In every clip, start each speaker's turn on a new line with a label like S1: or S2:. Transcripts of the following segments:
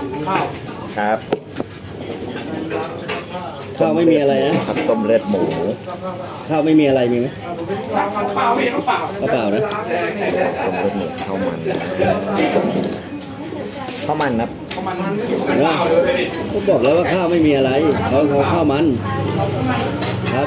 S1: ข้าว
S2: ครับ
S3: ข้าวไม่มีอะไรนะครับ
S2: ต้มเลือดหมู
S3: ข้าวไม่มีอะไรมีไหม
S1: เปล่าพี่เขาเปล่า
S3: ข้าวเปล่านะ
S2: ต้มเลือดหมูข้าวมันข้าวมันครับ
S3: นะผมบอกแล้วว่าข้าวไม่มีอะไรเขาข้าวมันครับ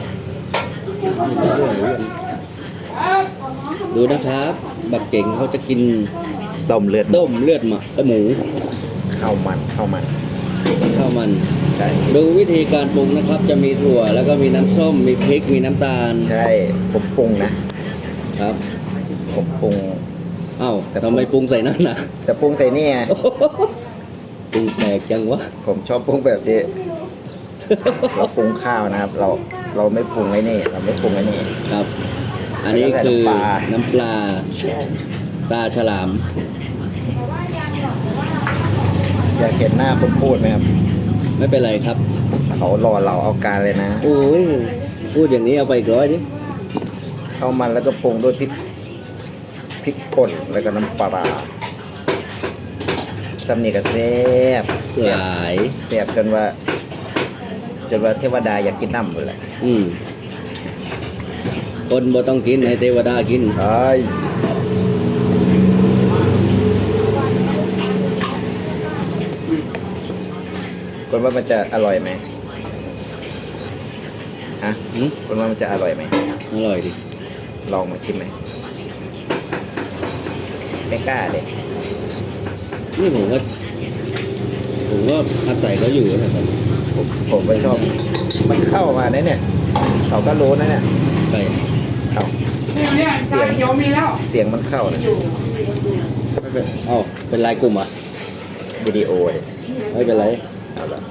S3: ดูนะครับบักเก่งเขาจะกิน
S2: ต้มเลือด
S3: ต้มเลือดหมู
S2: ข้าวมัน
S3: ข้าวมัน
S2: ใช่
S3: ดูวิธีการปรุงนะครับ จะมีถั่วแล้วก็มีน้ำส้มมีพริกมีน้ำตาล
S2: ใช่ผมปรุงนะครับ ผมปรุง
S3: เอ้าทำไมปรุงใส่นั่นน่ะ
S2: แต่ปรุงใส่เนี่ย
S3: ปรุงแปลกจังวะ
S2: ผมชอบปรุงแบบนี้เราปรุงข้าวนะครับ เราไม่ปรุงไอ้นี่เราไม่ปรุงไอ้นี่
S3: ครับ อันนี้คือน้ำปลาตาฉลาม
S2: อยากเห็นหน้าคนพูดไหมครับ
S3: ไม่เป็นไรครับ
S2: เขารอเราเอาการเลยนะ
S3: โอ้ยพูดอย่างนี้เอาไปอีก100ดิ
S2: ข้าวมันแล้วก็ปรุงด้วยพริกป่นแล้วก็น้ำปลาซัมนี่ก็แซ่บ
S3: หลาย
S2: แซ่บจนว่าเทวดาอยากกินน้ำหมดเลย
S3: คนบ่ต้องกินให้เทวดากิน
S2: ใช่คนว่ามันจะอร่อยไหมฮะ
S3: หืม
S2: คนว่ามันจะอร่อยไหม
S3: อร่อยดิ
S2: ลองมาชิมไหมไม่กล้าเลย
S3: นี่ผมก็อาศัยเขาอยู่นะครับ
S2: ผมไม่ชอบ มันเข้ามาเนี่ยเขาก็รู้นะเนี่ย
S3: ใส่
S2: เอา
S1: เนี่ยชาเขียวมีแล้ว
S2: เสียงมันเข้านะ
S3: ไม่เป็นเอ้าเป็นลายกลุ่มอ่ะ
S2: วิดีโอเลย
S3: ไม่เป็นไร
S2: เอาละ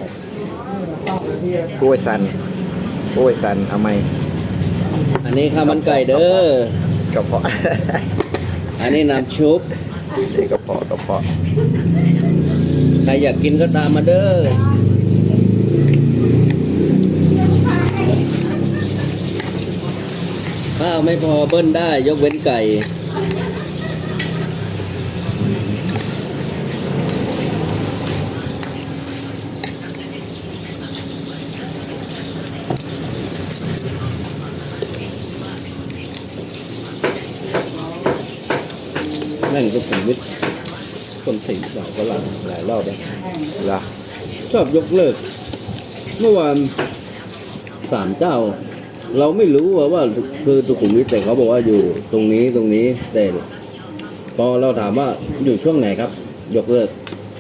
S2: กล้วยซันเอาไหม
S3: อันนี้ข้าวมันไก่เด้อก
S2: ระเพาะ
S3: อันนี้น้ำชุบ
S2: นี่กระเพาะ
S3: ใครอยากกินก็ตามมาเด้อข้าวไม่พอเบิ้ลได้ยกเว้นไก่นั่นก็ผมวิทย์คนสิงสาวฝรั่งหลายรอบแล้ว
S2: เหรอ
S3: ชอบยกเลิก เมื่อวาน3 เจ้า เราไม่รู้ว่าคือสุขุมวิทแต่เขาบอกว่าอยู่ตรงนี้แต่พอเราถามว่าอยู่ช่วงไหนครับ ยกเลิก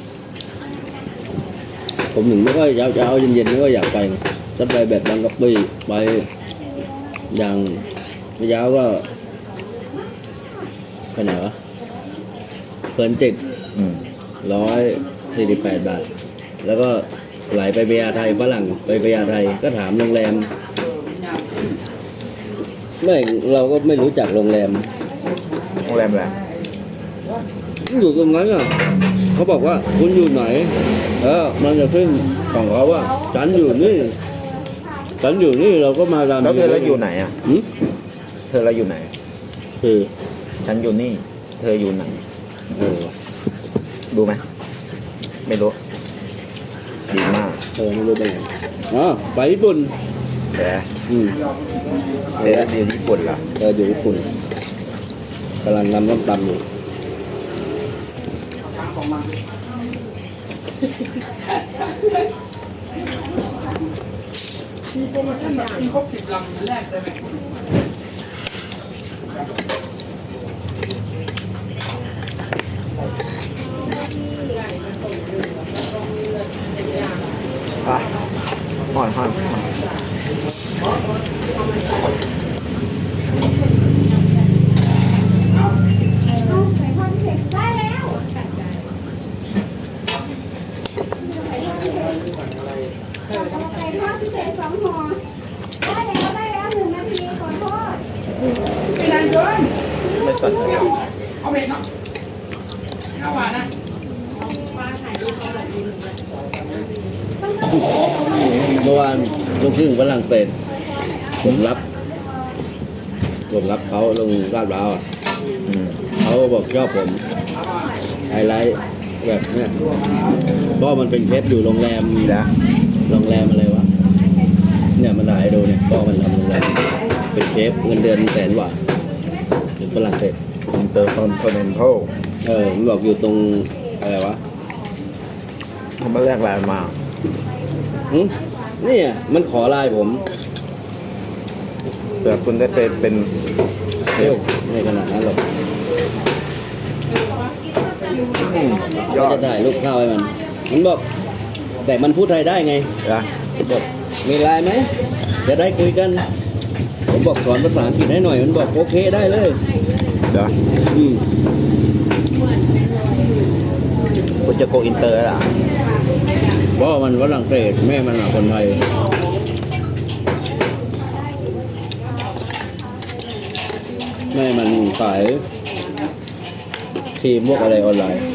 S3: ผมถึงไม่ค่อยเช้าเย็นๆไม่ค่อยอยากไปนะจะไปแบบบางกะปิไปอย่างเช้าก็ไปไหนวะเพลินจิต 148 บาท แล้วก็ไหลไปพญาไทฝรั่งไปพญาไทก็ถามโรงแรมไม่เราก็ไม่รู้จักโรงแรม
S2: โรงแรมอะไร
S3: อยู่ตรงนั้นอ่ะเขาบอกว่าคุณอยู่ไหนมันจะขึ้นของเขาว่าฉันอยู่นี่เราก็มาตาม
S2: แล้วเธอเราอยู่ไหนอ่ะ
S3: หืม
S2: เธอเราอยู่ไหน
S3: คือ
S2: ฉันอยู่นี่ เธออยู่ไหนดูไหมไม่รู้ดีมาก
S3: ไม่รู้เป็นไงไปญี่ปุ่น
S2: แต่
S3: อืม
S2: เธออยู่ญี่ปุ่นเหรอ
S3: อยู่ญี่ปุ่นกำลังนำน้ำตำอยู่
S1: มีโปรโมชั่นแบบกินครบ10 ลำแรกได้ไหม
S2: อ่ะห่อน
S4: ไก่ทอดพิเศษ2 ห่อได้แล้ว1 นาทีขอโทษ
S1: ไม่นานเกิน
S2: ไม่สนใจ
S1: เอาเผ็ดเนาะข้าวหวานนะ
S3: เมื่อวานลูกครึ่งฝรั่งเศสผมรับเขาลงลาดพร้าวอ่ะ
S2: อืม
S3: เขาบอกชอบผมไฮไลท์แบบเนี้ยพ่อมันเป็นเชฟอยู่โรงแรม
S2: แล้ว
S3: โรงแรมอะไรวะเนี่ยมันถ่ายให้ดูเนี่ยพ่อมันทำโรงแรมเป็นเชฟเงินเดือน100,000 กว่าอยู่ฝรั่งเศส
S2: อินเตอร์คอนติเนนทัล
S3: มันบอกอยู่ตรงอะไรวะ
S2: เขามาแลกไลน์มา
S3: หึเนี่ยมันขอไลน์ผม
S2: เผื่อคุณได้เป็นเชฟ
S3: ไม่ขนาดนั้นหรอก
S2: ย
S3: ก็
S2: อด
S3: จะถ่ายรูปข้าวให้มันมันบอก แต่มันพูดไทยได้ไง
S2: นะ
S3: บอกมีไลน์ไหมจะได้คุยกัน ผมบอกสอนภาษาอังกฤษให้หน่อยมันบอกโอเคได้เลย
S2: เดี๋ยว
S3: อืม
S2: คุณจะโกอินเตอร์แล้วล่ะ
S3: เพราะมันฝรั่งเศสแม่มันอะคนไทย แม่มันขายครีมพวกอะไรออนไลน์